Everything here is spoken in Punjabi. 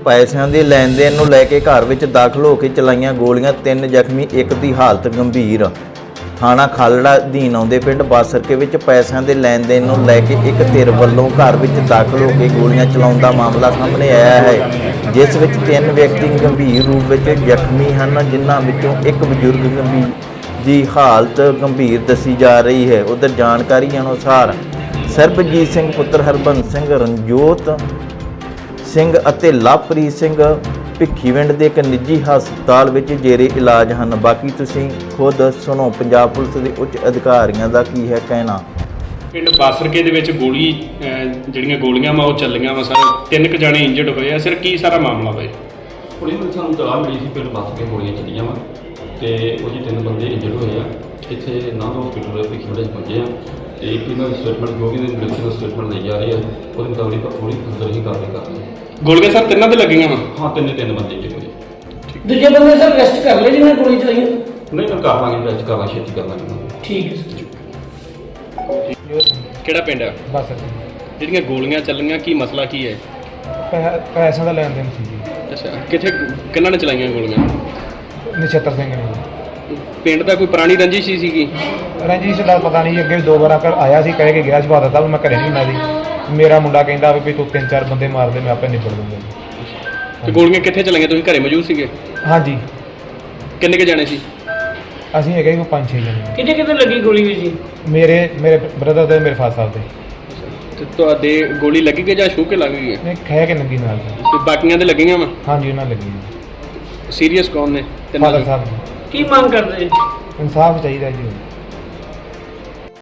ਪੈਸਿਆਂ ਦੇ ਲੈਣ ਦੇਣ ਨੂੰ ਲੈ ਕੇ ਘਰ ਵਿੱਚ ਦਾਖਲ ਹੋ ਕੇ ਚਲਾਈਆਂ ਗੋਲੀਆਂ, 3 ਜ਼ਖਮੀ, ਇੱਕ ਦੀ ਹਾਲਤ ਗੰਭੀਰ। ਥਾਣਾ ਖਾਲੜਾ ਅਧੀਨ ਆਉਂਦੇ ਪਿੰਡ ਬਾਸਰਕੇ ਵਿੱਚ ਪੈਸਿਆਂ ਦੇ ਲੈਣ ਦੇਣ ਨੂੰ ਲੈ ਕੇ ਇੱਕ ਧਿਰ ਵੱਲੋਂ ਘਰ ਵਿੱਚ ਦਾਖਲ ਹੋ ਕੇ ਗੋਲੀਆਂ ਚਲਾਉਣ ਦਾ ਮਾਮਲਾ ਸਾਹਮਣੇ ਆਇਆ ਹੈ, ਜਿਸ ਵਿੱਚ 3 ਵਿਅਕਤੀ ਗੰਭੀਰ ਰੂਪ ਵਿੱਚ ਜ਼ਖਮੀ ਹਨ, ਜਿਨ੍ਹਾਂ ਵਿੱਚੋਂ ਇੱਕ ਬਜ਼ੁਰਗ ਦੀ ਹਾਲਤ ਗੰਭੀਰ ਦੱਸੀ ਜਾ ਰਹੀ ਹੈ। ਉਧਰ ਜਾਣਕਾਰੀ ਅਨੁਸਾਰ ਸਰਬਜੀਤ ਸਿੰਘ ਪੁੱਤਰ ਹਰਬੰਸ ਸਿੰਘ, ਰਣਜੋਤ ਸਿੰਘ ਅਤੇ ਲਵਪ੍ਰੀਤ ਸਿੰਘ ਭਿੱਖੀਵਿੰਡ ਦੇ ਇੱਕ ਨਿੱਜੀ ਹਸਪਤਾਲ ਵਿੱਚ ਜੇਰੇ ਇਲਾਜ ਹਨ। ਬਾਕੀ ਤੁਸੀਂ ਖੁਦ ਸੁਣੋ ਪੰਜਾਬ ਪੁਲਿਸ ਦੇ ਉੱਚ ਅਧਿਕਾਰੀਆਂ ਦਾ ਕੀ ਹੈ ਕਹਿਣਾ। ਪਿੰਡ ਬਾਸਰਕੇ ਦੇ ਵਿੱਚ ਜਿਹੜੀਆਂ ਗੋਲੀਆਂ ਵਾ ਉਹ ਚੱਲੀਆਂ ਵਾ ਸਰ, 3 ਕੁ ਜਾਣੇ ਇੰਜਰਡ ਹੋਏ ਆ ਸਰ। ਕੀ ਸਾਰਾ ਮਾਮਲਾ ਵਾ? ਪੁਲਿਸ ਨੂੰ ਸਾਨੂੰ ਤਲਾਹ ਮਿਲੀ ਸੀ ਪਿੰਡ ਬਾਸਰਕੇ ਗੋਲੀਆਂ ਚੱਲੀਆਂ ਵਾ ਤੇ ਉਹਦੇ 3 ਬੰਦੇ ਇੰਜਰਡ ਹੋਏ ਆ। ਇੱਥੇ ਨਾਮ ਹਸਪੀਟਲ ਦੇ ਭਿੱਖੀਵਿੰਡ ਪਹੁੰਚੇ ਆ ਤੇ ਇੱਕ ਇਹਨਾਂ ਦੀ ਸਟੇਟਮੈਂਟ ਜੋ ਵੀ ਮੈਡੀਕਲ ਸਟੇਟਮੈਂਟ ਲਈ ਜਾ ਰਹੀ ਹੈ ਉਹਦੇ ਮੁਤਾਬਿਕ ਥੋੜੀ ਫਰਦਰ ਹੀ ਕਾਰਵਾਈ ਕਰ ਰਹੇ ਹਾਂ। ਗੋਲੀਆਂ ਸਰ ਤਿੰਨਾਂ ਦੇ ਲੱਗੀਆਂ ਵਾ? ਹਾਂ, ਤਿੰਨ ਬੰਦੇ ਇੰਜਰਡ ਹੋਏ। ਦੂਜੇ ਬੰਦੇ ਸਰ ਅਰੈਸਟ ਕਰ ਲਏ ਜਿਹਨਾਂ ਗੋਲੀ ਚਲਾਈ? ਨਹੀਂ, ਮੈਂ ਕਰ ਲਾਂਗੇ, ਅਰੈਸਟ ਕਰ ਲਾਂਗੇ, ਛੇਤੀ ਕਰ ਲਾਂਗੇ। ਠੀਕ ਹੈ ਸਰ। ਕਿਹੜਾ ਪਿੰਡ ਆ? ਬਸ ਜਿਹੜੀਆਂ ਗੋਲੀਆਂ ਚੱਲੀਆਂ ਕੀ ਮਸਲਾ ਕੀ ਹੈ? ਪੈਸਿਆਂ ਦਾ ਲੈਣ ਦੇਣ ਸੀ ਜੀ। ਅੱਛਾ, ਕਿਹਨਾਂ ਨੇ ਚਲਾਈਆਂ ਗੋਲੀਆਂ? ਨਛੱਤਰ ਸਿੰਘ ਨੇ। ਪਿੰਡ ਦਾ ਕੋਈ ਪੁਰਾਣੀ ਰੰਜਿਸ਼ ਹੀ ਸੀਗੀ? ਰਣਜੀਤ ਦਾ ਪਤਾ ਨਹੀਂ, ਅੱਗੇ ਵੀ 2 ਵਾਰ ਆਇਆ ਸੀ, ਕਹਿ ਕੇ ਗਿਆ ਸੀ, ਬਾਤ ਤਾਂ ਮੈਂ ਘਰੇ ਨਹੀਂ ਹੁੰਦਾ ਸੀ। ਮੇਰਾ ਮੁੰਡਾ ਕਹਿੰਦਾ ਵੀ ਤੂੰ 3-4 ਬੰਦੇ ਮਾਰ ਦੇ, ਮੈਂ ਆਪੇ ਨਿਬੜ ਦੂੰਗਾ। ਤੇ ਗੋਲੀਆਂ ਕਿੱਥੇ ਚਲਾਈਆਂ? ਤੁਸੀਂ ਘਰੇ ਮੌਜੂਦ ਸੀਗੇ? ਹਾਂਜੀ। ਕਿੰਨੇ ਕੁ ਜਾਣੇ ਸੀ? ਅਸੀਂ ਹੈਗੇ ਕੋਈ 5-6 ਜਣੇ। ਕਿਤੇ ਲੱਗੀ ਗੋਲੀ ਵੀ ਜੀ? ਮੇਰੇ ਬ੍ਰਦਰ ਦੇ, ਮੇਰੇ ਫਾਦਰ ਸਾਹਿਬ ਦੇ। ਤੇ ਤੁਹਾਡੇ ਗੋਲੀ ਲੱਗੀ ਕਿ ਜਾਂ ਛੂ ਕੇ ਲੱਗ ਗਈ ਹੈ? ਨਹੀਂ, ਖਹਿ ਕੇ ਨੰਗੀ ਨਾਲ। ਤੇ ਬਾਕੀਆਂ ਦੇ ਲੱਗੀਆਂ ਵਾ? ਹਾਂਜੀ, ਉਹਨਾਂ ਲੱਗੀ। ਸੀਰੀਅਸ ਕੌਣ ਨੇ? ਫਾਦਰ ਸਾਹਿਬ। ਕੀ ਮੰਗ ਕਰਦੇ? ਇਨਸਾਫ ਚਾਹੀਦਾ ਜੀ।